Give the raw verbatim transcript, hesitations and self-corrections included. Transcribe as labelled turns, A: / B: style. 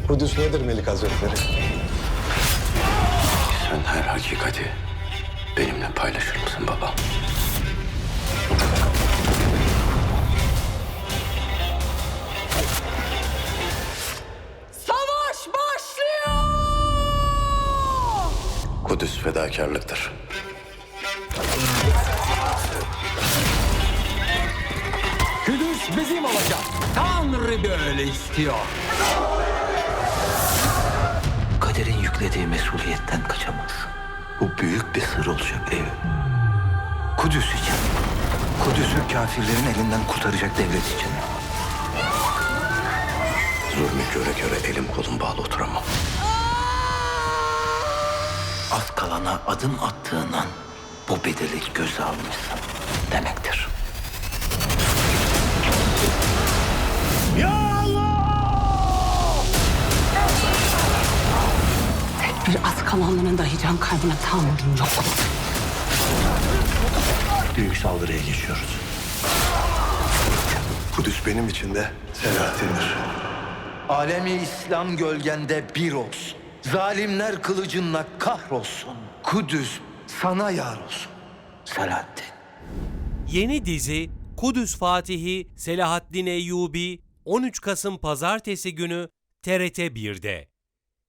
A: Kudüs nedir Melik Hazretleri?
B: Sen her hakikati benimle paylaşır mısın baba?
C: Savaş başlıyor!
B: Kudüs fedakarlıktır.
D: Kudüs bizim olacak. Tanrı böyle istiyor.
E: Kaderin yüklediği mesuliyetten kaçamazsın. Bu büyük bir sır olacak ev. Kudüs için. Kudüs'ü kafirlerin elinden kurtaracak devlet için.
B: Zulmü göre göre elim kolum bağlı oturamam.
E: Az kalana adım attığın an bu bedeli göze almışsın demektir.
C: Tek bir az kalanların dahi can kaybına tahammülüm yok.
E: Büyük saldırıya geçiyoruz.
A: Kudüs benim için de Selahattin'dir.
E: Alemi İslam gölgende bir olsun. Zalimler kılıcınla kahrolsun. Kudüs sana yar olsun. Selahattin.
F: Yeni dizi Kudüs Fatihi Selahaddin Eyyubi on üç Kasım Pazartesi günü T R T bir'de.